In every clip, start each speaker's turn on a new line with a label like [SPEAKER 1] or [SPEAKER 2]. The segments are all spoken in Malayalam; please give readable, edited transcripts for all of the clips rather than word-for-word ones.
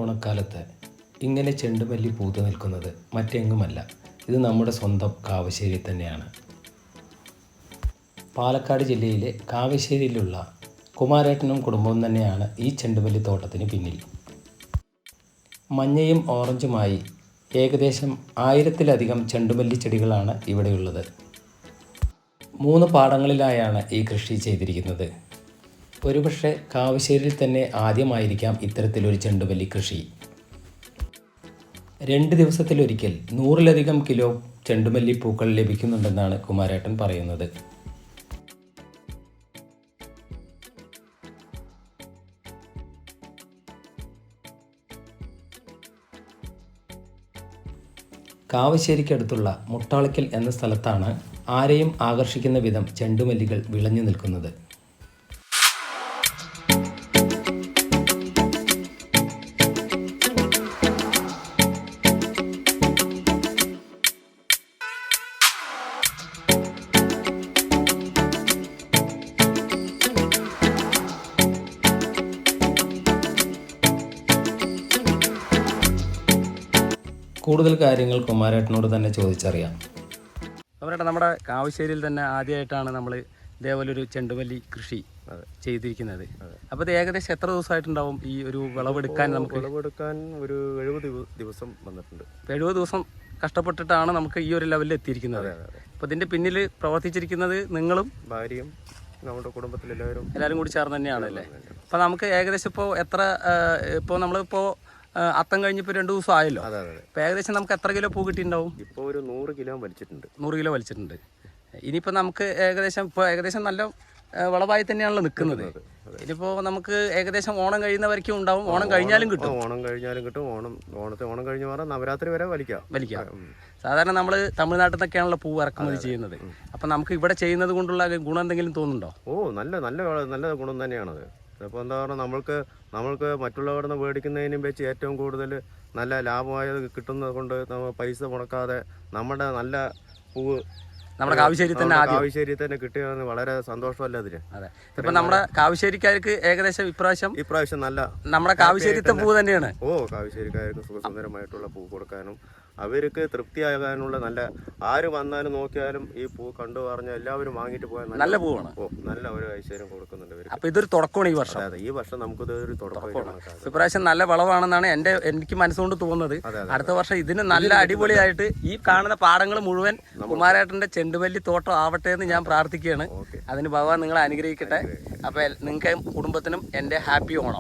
[SPEAKER 1] ഓണക്കാലത്ത് ഇങ്ങനെ ചെണ്ടുമല്ലി പൂത്തു നിൽക്കുന്നത് മറ്റെങ്ങുമല്ല, ഇത് നമ്മുടെ സ്വന്തം കാവശ്ശേരി തന്നെയാണ്. പാലക്കാട് ജില്ലയിലെ കാവശ്ശേരിയിലുള്ള കുമാരേട്ടനും കുടുംബവും തന്നെയാണ് ഈ ചെണ്ടുമല്ലി തോട്ടത്തിന് പിന്നിൽ. മഞ്ഞയും ഓറഞ്ചുമായി ഏകദേശം 1000-ലധികം ചെണ്ടുമല്ലി ചെടികളാണ് ഇവിടെയുള്ളത്. 3 പാടങ്ങളിലായാണ് ഈ കൃഷി ചെയ്തിരിക്കുന്നത്. ഒരുപക്ഷെ കാവശ്ശേരിയിൽ തന്നെ ആദ്യമായിരിക്കാം ഇത്തരത്തിലൊരു ചെണ്ടുമല്ലി കൃഷി. 2 ദിവസത്തിലൊരിക്കൽ 100-ലധികം കിലോ ചെണ്ടുമല്ലി പൂക്കൾ ലഭിക്കുന്നുണ്ടെന്നാണ് കുമാരേട്ടൻ പറയുന്നത്. കാവശ്ശേരിക്കടുത്തുള്ള മുട്ടാളിക്കൽ എന്ന സ്ഥലത്താണ് ആരെയും ആകർഷിക്കുന്ന വിധം ചെണ്ടുമല്ലികൾ വിളഞ്ഞു നിൽക്കുന്നത്. കൂടുതൽ കാര്യങ്ങൾ കുമാരേട്ടനോട് തന്നെ ചോദിച്ചറിയാം.
[SPEAKER 2] കുമാരേട്ടൻ, നമ്മുടെ കാവശ്ശേരിയിൽ തന്നെ ആദ്യമായിട്ടാണ് നമ്മൾ ഇതേപോലെ ഒരു ചെണ്ടുമല്ലി കൃഷി ചെയ്തിരിക്കുന്നത്. അപ്പോൾ ഇത് ഏകദേശം എത്ര ദിവസമായിട്ടുണ്ടാവും ഈ ഒരു വിളവെടുക്കാൻ? നമുക്ക്
[SPEAKER 3] വിളവെടുക്കാൻ ഒരു 70 ദിവസം വന്നിട്ടുണ്ട്.
[SPEAKER 2] 70 ദിവസം കഷ്ടപ്പെട്ടിട്ടാണ് നമുക്ക് ഈ ഒരു ലെവലിൽ എത്തിയിരിക്കുന്നത്. അപ്പോൾ ഇതിൻ്റെ പിന്നിൽ പ്രവർത്തിച്ചിരിക്കുന്നത് നിങ്ങളും
[SPEAKER 3] ഭാര്യയും നമ്മുടെ കുടുംബത്തിലെല്ലാവരും
[SPEAKER 2] കൂടി ചേർന്ന് തന്നെയാണ് അല്ലേ? അപ്പോൾ നമുക്ക് ഏകദേശം ഇപ്പോൾ നമ്മളിപ്പോൾ അത്തം കഴിഞ്ഞപ്പോൾ 2 ദിവസം ആയല്ലോ. അപ്പോൾ ഏകദേശം നമുക്ക് എത്ര കിലോ പൂ കിട്ടിയിട്ടുണ്ടാവും?
[SPEAKER 3] ഇപ്പോൾ ഒരു 100 കിലോ വലിച്ചിട്ടുണ്ട്.
[SPEAKER 2] 100 കിലോ വലിച്ചിട്ടുണ്ട്. ഇനിയിപ്പോൾ നമുക്ക് ഏകദേശം നല്ല വളവായി തന്നെയാണല്ലോ നിൽക്കുന്നത്. ഇനിയിപ്പോൾ നമുക്ക് ഏകദേശം ഓണം കഴിയുന്നവരേക്കും ഉണ്ടാവും. ഓണം കഴിഞ്ഞാലും കിട്ടും.
[SPEAKER 3] ഓണം കഴിഞ്ഞ് മാറാം, നവരാത്രി വരെ വലിക്കാം.
[SPEAKER 2] സാധാരണ നമ്മൾ തമിഴ്നാട്ടിൽ നിന്നൊക്കെയാണല്ലോ പൂ ഇറക്കുമതി ചെയ്യുന്നത്. അപ്പം നമുക്ക് ഇവിടെ ചെയ്യുന്നത് കൊണ്ടുള്ള ഗുണം എന്തെങ്കിലും തോന്നുന്നുണ്ടോ?
[SPEAKER 3] നല്ല ഗുണം തന്നെയാണത്. അപ്പോൾ എന്താ പറഞ്ഞാൽ നമ്മൾക്ക് മറ്റുള്ളവരുടെ നിന്ന് മേടിക്കുന്നതിനും വെച്ച് ഏറ്റവും കൂടുതൽ നല്ല ലാഭമായത് കിട്ടുന്നത് കൊണ്ട് നമ്മൾ പൈസ മുടക്കാതെ നമ്മുടെ നല്ല പൂവ്
[SPEAKER 2] നമ്മുടെ കാവശ്ശേരി തന്നെ
[SPEAKER 3] കിട്ടുകയാണ്. വളരെ സന്തോഷമല്ല അതിന്.
[SPEAKER 2] അതെ, ഇപ്പൊ നമ്മുടെ കാവശ്ശേരിക്കാർക്ക് ഏകദേശം ഇപ്രാവശ്യം
[SPEAKER 3] നല്ല
[SPEAKER 2] നമ്മുടെ കാവശ്ശേരിത്തെ പൂ തന്നെയാണ്.
[SPEAKER 3] കാവശ്ശേരിക്കാർക്ക് സുഖസുന്ദരമായിട്ടുള്ള പൂ കൊടുക്കാനും അവർക്ക് തൃപ്തിയാകാനുള്ള ആര് വന്നാലും നോക്കിയാലും ഈ പൂ കണ്ടു പറഞ്ഞാൽ എല്ലാവരും വാങ്ങിട്ട് പോയാൽ
[SPEAKER 2] നല്ല പൂവാണ്.
[SPEAKER 3] നല്ല ഒരു ഐശ്വര്യം കൊടുക്കുന്നുണ്ട്.
[SPEAKER 2] അപ്പൊ ഇതൊരു തുടക്കമാണ് ഈ വർഷം.
[SPEAKER 3] ഈ വർഷം നമുക്കിത് ഒരു തുടക്കമാണ്.
[SPEAKER 2] ഇപ്രാവശ്യം നല്ല വളവാണെന്നാണ് എനിക്ക് മനസ്സുകൊണ്ട് തോന്നുന്നത്. അടുത്ത വർഷം ഇതിന് നല്ല അടിപൊളിയായിട്ട് ഈ കാണുന്ന പാടങ്ങൾ മുഴുവൻ കുമാരേട്ടന്റെ ചെണ്ടുമല്ലി തോട്ടം ആവട്ടെ എന്ന് ഞാൻ പ്രാർത്ഥിക്കുകയാണ്. അതിന് ഭഗവാൻ നിങ്ങളെ അനുഗ്രഹിക്കട്ടെ. അപ്പൊ നിങ്ങൾക്ക് കുടുംബത്തിനും എൻ്റെ ഹാപ്പി ഓണം.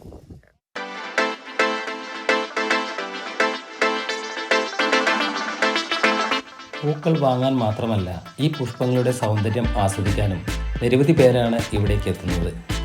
[SPEAKER 1] പൂക്കൾ വാങ്ങാൻ മാത്രമല്ല, ഈ പുഷ്പങ്ങളുടെ സൗന്ദര്യം ആസ്വദിക്കാനും നിരവധി പേരാണ് ഇവിടേക്ക് എത്തുന്നത്.